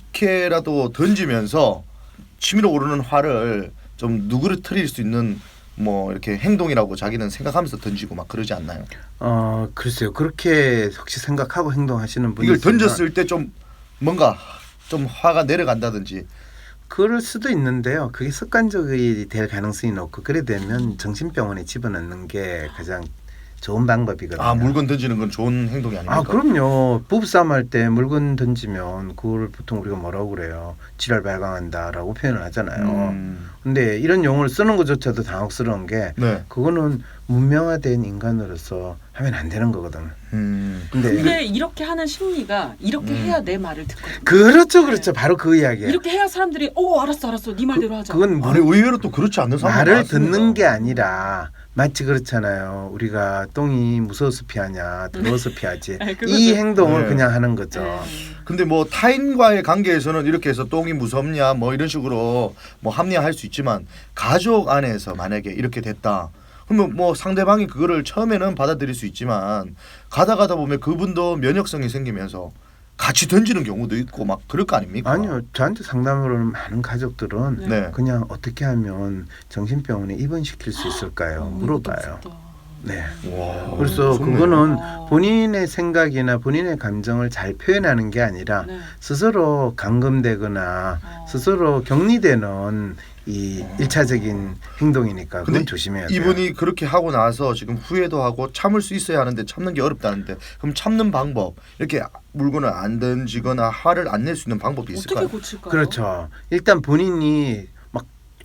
[SPEAKER 1] 이렇게라도 던지면서 치밀어 오르는 화를 좀 누그러뜨릴 수 있는 뭐 이렇게 행동이라고 자기는 생각하면서 던지고 막 그러지 않나요?
[SPEAKER 3] 어 글쎄요. 그렇게 혹시 생각하고 행동하시는 분이
[SPEAKER 1] 이걸
[SPEAKER 3] 있으면
[SPEAKER 1] 던졌을 때 좀 뭔가 좀 화가 내려간다든지.
[SPEAKER 3] 그럴 수도 있는데요. 그게 습관적이 될 가능성이 높고 그래 되면 정신병원에 집어넣는 게 가장 좋은 방법이거든요.
[SPEAKER 1] 아 물건 던지는 건 좋은 행동이 아닙니까?
[SPEAKER 3] 아 그럼요. 부부싸움 할 때 물건 던지면 그걸 보통 우리가 뭐라고 그래요? 지랄 발광한다라고 표현을 하잖아요.
[SPEAKER 1] 음,
[SPEAKER 3] 근데 이런 용어를 쓰는 것조차도 당혹스러운 게
[SPEAKER 1] 네.
[SPEAKER 3] 그거는 문명화된 인간으로서 하면 안 되는 거거든.
[SPEAKER 1] 음.
[SPEAKER 3] 근데
[SPEAKER 2] 근데 이렇게 하는 심리가 이렇게
[SPEAKER 1] 음.
[SPEAKER 2] 해야 내 말을 듣거든요.
[SPEAKER 3] 그렇죠, 그렇죠. 바로 그 이야기예요.
[SPEAKER 2] 이렇게 해야 사람들이 어 알았어 알았어 네 말대로 하자.
[SPEAKER 3] 그건
[SPEAKER 1] 아니 의외로 또 그렇지 않는 사람
[SPEAKER 3] 말을 듣는 게 아니라 마치 그렇잖아요. 우리가 똥이 무서워서 피하냐, 더러워서 피하지.
[SPEAKER 2] 아니, 그거죠.
[SPEAKER 3] 이 행동을
[SPEAKER 1] 네.
[SPEAKER 3] 그냥 하는 거죠.
[SPEAKER 2] 네.
[SPEAKER 1] 근데 뭐 타인과의 관계에서는 이렇게 해서 똥이 무섭냐 뭐 이런 식으로 뭐 합리화할 수 있지만 가족 안에서 만약에 이렇게 됐다. 그러면 뭐 상대방이 그거를 처음에는 받아들일 수 있지만 가다 가다 보면 그분도 면역성이 생기면서 같이 던지는 경우도 있고 막 그럴 거 아닙니까?
[SPEAKER 3] 아니요, 저한테 상담을 오는 많은 가족들은
[SPEAKER 1] 네.
[SPEAKER 3] 그냥 어떻게 하면 정신병원에 입원시킬 수 있을까요?
[SPEAKER 2] 어,
[SPEAKER 3] 물어봐요.
[SPEAKER 2] 이것도 무섭다.
[SPEAKER 3] 네.
[SPEAKER 1] 와,
[SPEAKER 3] 그래서
[SPEAKER 1] 무섭네요.
[SPEAKER 3] 그거는
[SPEAKER 2] 어.
[SPEAKER 3] 본인의 생각이나 본인의 감정을 잘 표현하는 게 아니라
[SPEAKER 2] 네.
[SPEAKER 3] 스스로 감금되거나
[SPEAKER 2] 어.
[SPEAKER 3] 스스로 격리되는 이 일차적인 행동이니까
[SPEAKER 1] 근데
[SPEAKER 3] 그건 조심해야 돼요.
[SPEAKER 1] 이분이 그렇게 하고 나서 지금 후회도 하고 참을 수 있어야 하는데 참는 게 어렵다는데 그럼 참는 방법 이렇게 물건을 안 던지거나 화를 안 낼 수 있는 방법이
[SPEAKER 2] 어떻게
[SPEAKER 1] 있을까요?
[SPEAKER 2] 고칠까요?
[SPEAKER 3] 그렇죠. 일단 본인이 막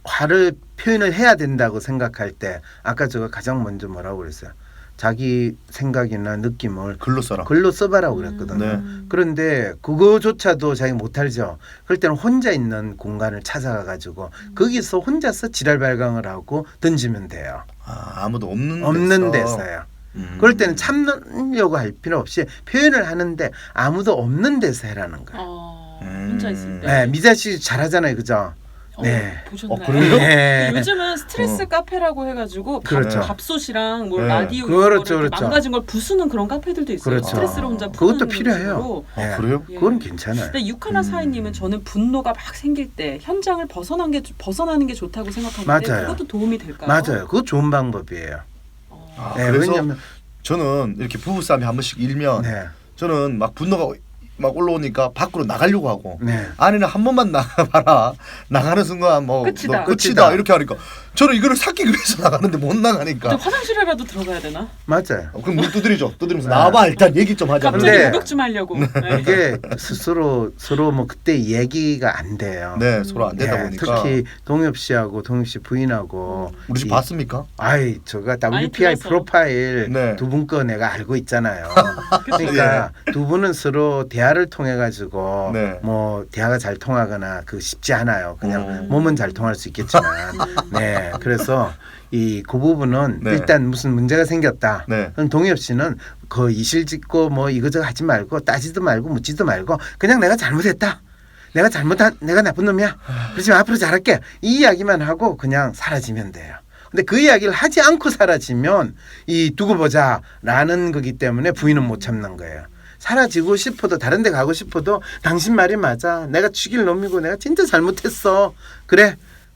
[SPEAKER 3] 화를 표현을 해야 된다고 생각할 때 아까 제가 가장 먼저 뭐라고 그랬어요. 자기 생각이나 느낌을
[SPEAKER 1] 글로 써라.
[SPEAKER 3] 글로 써봐라고 그랬거든요.
[SPEAKER 1] 네.
[SPEAKER 3] 그런데 그거조차도 자기 못하죠. 그럴 때는 혼자 있는 공간을 찾아가가지고 거기서 혼자서 지랄 발광을 하고 던지면 돼요.
[SPEAKER 1] 아, 아무도 없는
[SPEAKER 3] 없는
[SPEAKER 1] 데서.
[SPEAKER 3] 데서요.
[SPEAKER 1] 음.
[SPEAKER 3] 그럴 때는 참으려고 할 필요 없이 표현을 하는데 아무도 없는 데서 해라는 거예요.
[SPEAKER 2] 어,
[SPEAKER 1] 음.
[SPEAKER 2] 혼자 있을 때.
[SPEAKER 3] 네, 미자 씨 잘하잖아요, 그죠?
[SPEAKER 2] 어,
[SPEAKER 3] 네.
[SPEAKER 2] 보셨나요?
[SPEAKER 1] 어, 그래요?
[SPEAKER 3] 네.
[SPEAKER 2] 요즘은 스트레스
[SPEAKER 1] 어.
[SPEAKER 2] 카페라고 해가지고 밥,
[SPEAKER 3] 그렇죠.
[SPEAKER 2] 밥솥이랑 뭘
[SPEAKER 1] 네.
[SPEAKER 2] 라디오
[SPEAKER 3] 그렇죠,
[SPEAKER 2] 이런 거를
[SPEAKER 3] 그렇죠.
[SPEAKER 2] 망가진 걸 부수는 그런 카페들도 있어요.
[SPEAKER 3] 그렇죠.
[SPEAKER 2] 스트레스를 혼자 푸는
[SPEAKER 3] 그것도 필요해요.
[SPEAKER 2] 식으로.
[SPEAKER 1] 아,
[SPEAKER 3] 네.
[SPEAKER 1] 그래요?
[SPEAKER 2] 예.
[SPEAKER 3] 그건 괜찮아요.
[SPEAKER 2] 근데 육하나
[SPEAKER 3] 음.
[SPEAKER 2] 사인님은 저는 분노가 막 생길 때 현장을 벗어난 게 벗어나는 게 좋다고 생각하는데
[SPEAKER 3] 맞아요.
[SPEAKER 2] 그것도 도움이 될까요?
[SPEAKER 3] 맞아요. 그거 좋은 방법이에요.
[SPEAKER 2] 어.
[SPEAKER 1] 아,
[SPEAKER 3] 네,
[SPEAKER 1] 그래서
[SPEAKER 3] 왜냐면
[SPEAKER 1] 저는 이렇게 부부싸움이 한 번씩 일면
[SPEAKER 3] 네,
[SPEAKER 1] 저는 막 분노가 막 올라오니까 밖으로 나가려고 하고
[SPEAKER 3] 네.
[SPEAKER 1] 아내는 한 번만 나가봐라. 나가는 순간 뭐
[SPEAKER 2] 끝이다.
[SPEAKER 1] 너 끝이다.
[SPEAKER 3] 끝이다.
[SPEAKER 1] 이렇게 하니까 저는 이거를 삭히기 위해서 나가는데 못 나가니까
[SPEAKER 2] 근데 화장실에라도 들어가야 되나?
[SPEAKER 3] 맞아요.
[SPEAKER 1] 어, 그럼 문 두드리죠. 두드리면서
[SPEAKER 3] 네.
[SPEAKER 1] 나와봐 일단 얘기 좀 하자.
[SPEAKER 2] 갑자기
[SPEAKER 3] 근데-
[SPEAKER 2] 목욕 좀 하려고. 네.
[SPEAKER 3] 이게 스스로 서로 뭐 그때 얘기가 안 돼요.
[SPEAKER 1] 네 서로 안 되다
[SPEAKER 3] 네,
[SPEAKER 1] 보니까
[SPEAKER 3] 특히 동엽 씨하고 동엽 씨 부인하고
[SPEAKER 1] 우리 집
[SPEAKER 3] 이-
[SPEAKER 1] 봤습니까?
[SPEAKER 3] 아이 저가
[SPEAKER 2] 많이
[SPEAKER 3] 더블유피아이
[SPEAKER 2] 들어서.
[SPEAKER 3] 프로파일
[SPEAKER 1] 네.
[SPEAKER 3] 두 분 거 내가 알고 있잖아요.
[SPEAKER 2] 그쵸?
[SPEAKER 3] 그러니까 두 분은 서로 대화를 통해 가지고
[SPEAKER 1] 네.
[SPEAKER 3] 뭐 대화가 잘 통하거나 그 쉽지 않아요. 그냥
[SPEAKER 1] 어.
[SPEAKER 3] 몸은 잘 통할 수 있겠지만 네 그래서 이 그 부분은
[SPEAKER 1] 네.
[SPEAKER 3] 일단 무슨 문제가 생겼다.
[SPEAKER 1] 네.
[SPEAKER 3] 그럼 동엽 씨는 그 이실짓고 뭐 이거저거 하지 말고 따지도 말고 묻지도 말고 그냥 내가 잘못했다. 내가 잘못한 내가 나쁜 놈이야. 그렇지만 앞으로 잘할게. 이 이야기만 하고 그냥 사라지면 돼요. 근데 그 이야기를 하지 않고 사라지면 이 두고 보자라는 거기 때문에 부인은 못 참는 거예요. 사라지고 싶어도 다른 데 가고 싶어도 당신 말이 맞아. 내가 죽일 놈이고 내가 진짜 잘못했어. 그래.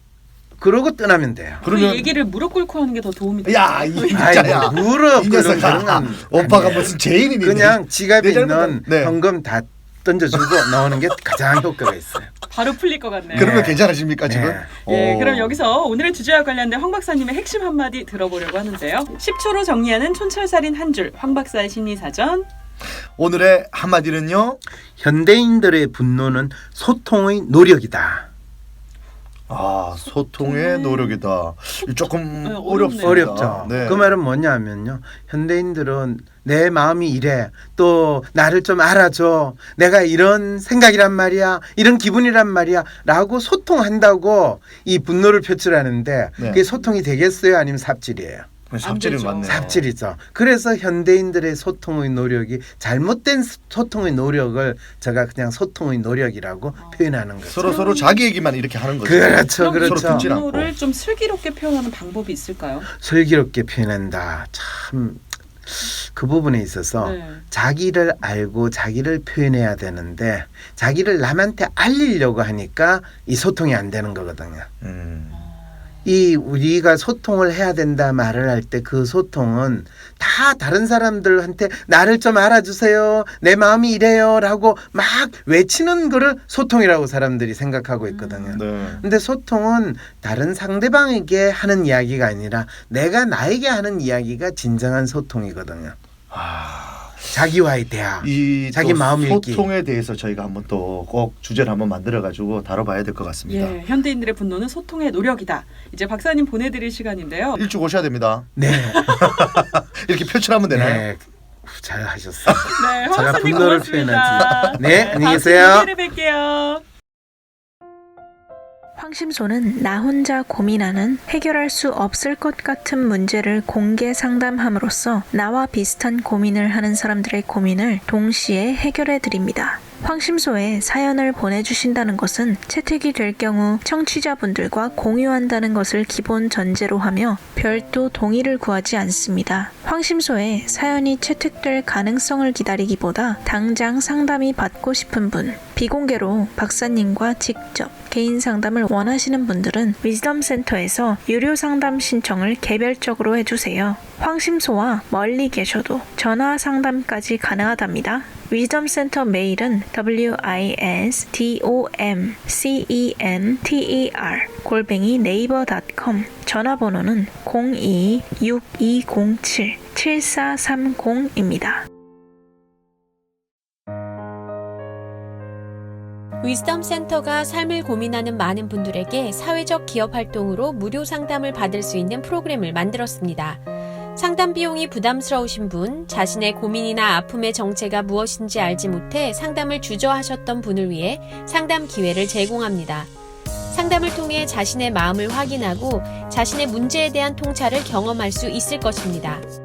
[SPEAKER 3] 그러고 떠나면 돼요.
[SPEAKER 2] 그
[SPEAKER 1] 그러면
[SPEAKER 2] 얘기를 무릎 꿇고 하는 게 더 도움이 돼요.
[SPEAKER 1] 야, 이
[SPEAKER 3] 아이
[SPEAKER 1] 진짜야.
[SPEAKER 3] 뭐 무릎
[SPEAKER 1] 이
[SPEAKER 3] 꿇는
[SPEAKER 1] 녀석아.
[SPEAKER 3] 그런 건
[SPEAKER 1] 오빠가
[SPEAKER 3] 아니에요.
[SPEAKER 1] 무슨 죄인이니?
[SPEAKER 3] 그냥 지갑에
[SPEAKER 1] 내
[SPEAKER 3] 있는
[SPEAKER 1] 잘못은- 네.
[SPEAKER 3] 현금 다 던져주고 나오는 게 가장 효과가 있어요.
[SPEAKER 2] 바로 풀릴 것 같네요.
[SPEAKER 1] 그러면
[SPEAKER 3] 네.
[SPEAKER 1] 괜찮으십니까 지금?
[SPEAKER 3] 네.
[SPEAKER 2] 예,
[SPEAKER 1] 어.
[SPEAKER 2] 그럼 여기서 오늘의 주제와 관련된 황 박사님의 핵심 한마디 들어보려고 하는데요. 십 초로 정리하는 촌철살인 한 줄, 황 박사의 심리사전.
[SPEAKER 1] 오늘의 한마디는요.
[SPEAKER 3] 현대인들의 분노는 소통의 노력이다.
[SPEAKER 1] 아 소통의 노력이다. 조금
[SPEAKER 2] 네,
[SPEAKER 1] 어렵습니다.
[SPEAKER 3] 어렵죠.
[SPEAKER 1] 네.
[SPEAKER 3] 그 말은 뭐냐면요. 현대인들은 내 마음이 이래. 또 나를 좀 알아줘. 내가 이런 생각이란 말이야. 이런 기분이란 말이야. 라고 소통한다고 이 분노를 표출하는데
[SPEAKER 1] 네.
[SPEAKER 3] 그게 소통이 되겠어요? 아니면 삽질이에요?
[SPEAKER 1] 삽질은
[SPEAKER 2] 되죠.
[SPEAKER 1] 맞네요.
[SPEAKER 3] 삽질이죠. 그래서 현대인들의 소통의 노력이 잘못된 소통의 노력을 제가 그냥 소통의 노력이라고
[SPEAKER 2] 어.
[SPEAKER 3] 표현하는 거죠.
[SPEAKER 1] 서로 서로 자기 얘기만 이렇게 하는 거죠.
[SPEAKER 3] 그렇죠,
[SPEAKER 2] 그럼 이
[SPEAKER 3] 그렇죠.
[SPEAKER 1] 서로 듣질 않고.
[SPEAKER 2] 분노를 좀 슬기롭게 표현하는 방법이 있을까요?
[SPEAKER 3] 슬기롭게 표현한다. 참 그 부분에 있어서
[SPEAKER 2] 네.
[SPEAKER 3] 자기를 알고 자기를 표현해야 되는데 자기를 남한테 알리려고 하니까 이 소통이 안 되는 거거든요.
[SPEAKER 1] 음.
[SPEAKER 3] 이 우리가 소통을 해야 된다 말을 할 때 그 소통은 다 다른 사람들한테 나를 좀 알아주세요. 내 마음이 이래요. 라고 막 외치는 거를 소통이라고 사람들이 생각하고 있거든요.
[SPEAKER 1] 네.
[SPEAKER 3] 근데 소통은 다른 상대방에게 하는 이야기가 아니라 내가 나에게 하는 이야기가 진정한 소통이거든요.
[SPEAKER 1] 아,
[SPEAKER 3] 자기와의 대화.
[SPEAKER 1] 이
[SPEAKER 3] 자기
[SPEAKER 1] 또
[SPEAKER 3] 마음 읽기.
[SPEAKER 1] 소통에 대해서 저희가 한번 또 꼭 주제를 한번 만들어 가지고 다뤄봐야 될 것 같습니다.
[SPEAKER 2] 예, 현대인들의 분노는 소통의 노력이다. 이제 박사님 보내드릴 시간인데요.
[SPEAKER 1] 일찍 오셔야 됩니다.
[SPEAKER 3] 네.
[SPEAKER 1] 이렇게 표출하면 되나요?
[SPEAKER 3] 네. 잘 하셨어요.
[SPEAKER 2] 네, 황
[SPEAKER 3] 제가
[SPEAKER 2] 박사님
[SPEAKER 3] 분노를
[SPEAKER 2] 고맙습니다.
[SPEAKER 3] 네, 안녕히
[SPEAKER 2] 다음
[SPEAKER 3] 계세요.
[SPEAKER 2] 주에 뵐게요.
[SPEAKER 7] 황심소는 나 혼자 고민하는 해결할 수 없을 것 같은 문제를 공개 상담함으로써 나와 비슷한 고민을 하는 사람들의 고민을 동시에 해결해 드립니다. 황심소에 사연을 보내주신다는 것은 채택이 될 경우 청취자분들과 공유한다는 것을 기본 전제로 하며 별도 동의를 구하지 않습니다. 황심소에 사연이 채택될 가능성을 기다리기보다 당장 상담이 받고 싶은 분, 비공개로 박사님과 직접 개인 상담을 원하시는 분들은 위즈덤 센터에서 유료 상담 신청을 개별적으로 해주세요. 황심소와 멀리 계셔도 전화 상담까지 가능하답니다. 위즈덤 센터 메일은 wisdomcenter 골뱅이 네이버 닷컴, 전화번호는 공이 육이공칠 칠사삼공입니다.
[SPEAKER 6] 위즈덤 센터가 삶을 고민하는 많은 분들에게 사회적 기업 활동으로 무료 상담을 받을 수 있는 프로그램을 만들었습니다. 상담 비용이 부담스러우신 분, 자신의 고민이나 아픔의 정체가 무엇인지 알지 못해 상담을 주저하셨던 분을 위해 상담 기회를 제공합니다. 상담을 통해 자신의 마음을 확인하고 자신의 문제에 대한 통찰을 경험할 수 있을 것입니다.